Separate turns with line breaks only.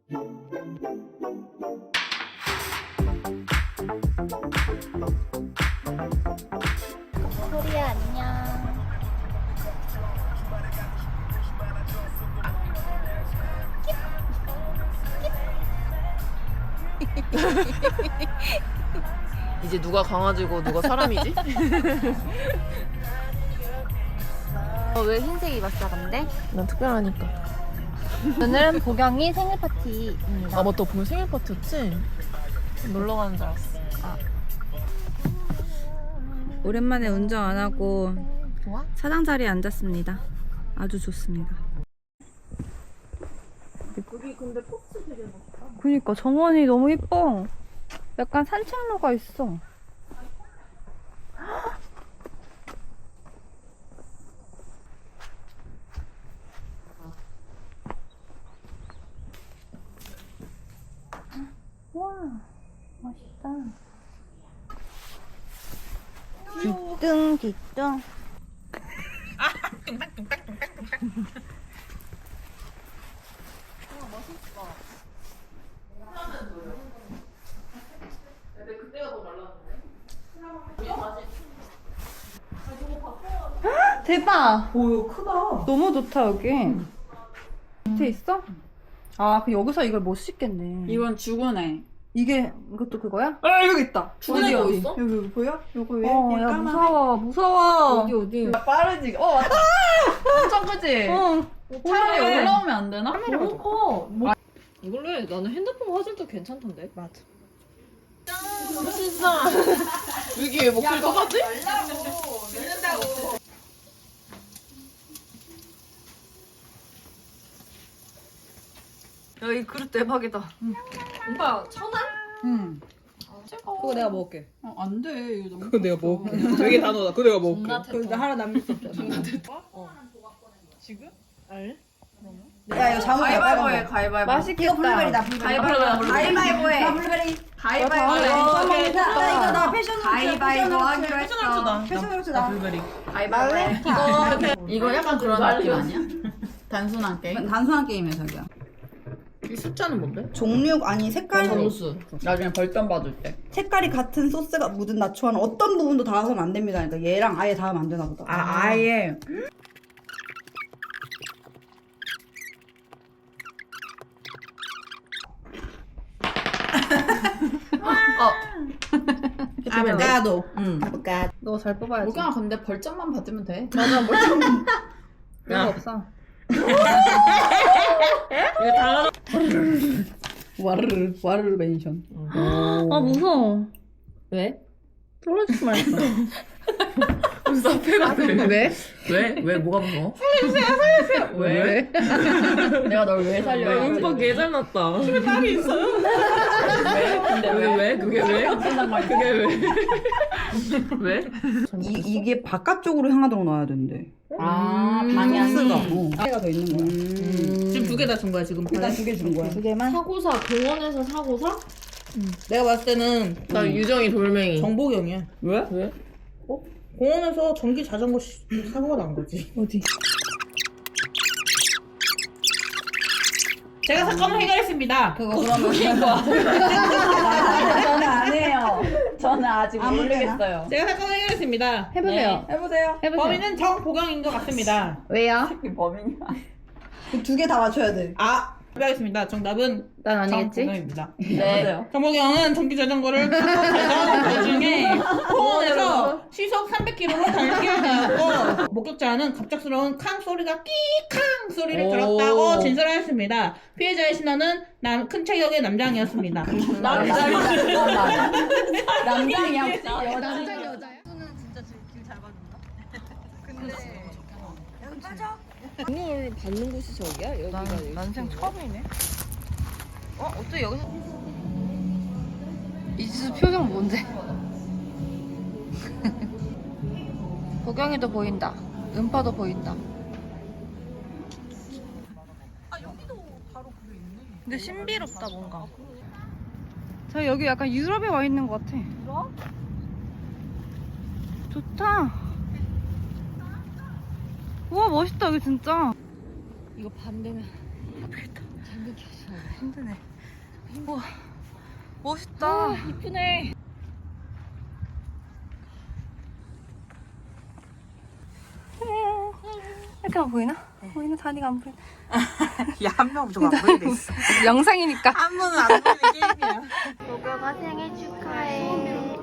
소리야 안녕.
이제 누가 강아지고 누가 사람이지?
왜 흰색 입었어 근데?
난 특별하니까.
오늘은 보경이 생일 파티입니다.
아 맞다, 보면 생일 파티였지? 놀러 가는 줄 알았어.
오랜만에 운전 안 하고
좋아?
차장 자리에 앉았습니다. 아주 좋습니다.
여기 근데 포츠 되게 좋다.
그니까 정원이 너무 예뻐. 약간 산책로가 있어. 와, 멋있다. 뒤뚱 뒤뚱.
근데 그때가 더 말랐는데?
대박!
오, 이거 크다.
너무 좋다 여기. 밑에 있어? 아, 그 여기서 이걸 못 씻겠네.
이건 죽은애.
이게 이것도 그거야?
아, 여기 있다.
죽은애 뭐 있어?
여기 보여? 요거 왜?
야 무서워 무서워.
어디?
빠르지. 맞아. 엄청 크지? 차라리
올라오네.
올라오면 안 되나?
너무 커. 이걸로 해. 나는 핸드폰 화질도 괜찮던데.
맞아.
진짜. 여기 왜 목소리 똑같지? 야, 이 그릇 대박이다. 오빠, 천안?
응.
그거 내가 먹을게.
안 돼. 이거 너무.
그거 내가 먹을게. 되게 단호다. 그거 내가 먹을게.
나 하나 남길 수 없잖아.
지금? 알?
야 이거 자몽
가위바위보해, 가위바위보.
맛있겠다. 이거 블루베리다.
가위바위보해.
나 블루베리.
가위바위보해.
이거 나 패션
가위바위보 하기로 했어.
패션 후르츠다.
블루베리.
가위바위보. 이거 약간 그런 느낌 아니야? 단순한 게임?
단순한 게임이야 자기야.
이 숫자는 뭔데?
종류 아니 색깔
점수.
나중에 벌점 받을 때.
색깔이 같은 소스가 묻은 나초와는 어떤 부분도 닿아서는 안 됩니다. 그러니까 얘랑 아예 닿으면 안 되나 보다.
아예.
아보카도.
응.
너 잘 뽑아야지.
그냥 근데 벌점만 받으면 돼.
맞아 뭐
야.
없어.
이거 다
와르르 멘션.
아,
무서워.
왜?
떨어지지 말자.
무슨 사페가 돼?
왜?
왜? 왜? 뭐가 무서워? 살려주세요! 왜?
내가 널 왜
야,
살려야
음악 개잘 났다. 집에 딸이 있어요?
왜? 근데 왜?
그게 왜? 그게 왜? 왜?
이게 바깥쪽으로 향하도록 놔야 된대.
아,
소스가.
방향이.
하나가 더 있는 거야.
지금 2개 다 준 거야, 지금.
일단 2개 준 거야. 2개만?
사고사, 공원에서 사고사?
내가 봤을 때는
나 유정이 돌멩이.
정보경이야. 왜?
왜?
공원에서 전기 자전거 사고가 난 거지.
어디?
제가 사건을 해결했습니다.
그거 그러면 저는 안 해요. 저는 아직 모르겠어요.
제가 사건을 해결했습니다.
해보세요. 해보세요.
범인은 정보경인 것 같습니다.
왜요?
범인이야.
그 2개 다 맞춰야 돼.
발표하겠습니다. 정답은
난 아니겠지?
정보경입니다.
네.
정보경은 전기 자전거를 타고 달려가는 도중에 공원에서 시속 300km로 달리게 되었고 목격자는 갑작스러운 캉 소리가 끼캉 소리를 들었다고 진술하였습니다. 피해자의 신원은 큰 체격의 남장이었습니다.
남장이야.
남장 여자야?
눈을 받는 곳이 저기야? 여기가
난생 처음이네. 어떻게 여기서? 이지수 표정 뭔데? 보경이도 보인다. 음파도 보인다. 여기도 바로 그게 있네. 근데 신비롭다 뭔가. 저 여기 약간 유럽에 와 있는 것 같아. 유럽? 좋다. 우와 멋있다 여기 진짜.
이거 밤 되면 예쁘겠다. 잠깐 켜줘.
힘드네. 우와, 멋있다.
이쁘네.
이렇게 안 보이나? 보이나? 다리가 안 보이나?
야, 한 명 무조건 안 보이게 있어.
영상이니까.
한 번은 안 보이는 게임이야.
도겸아 생일 축하해.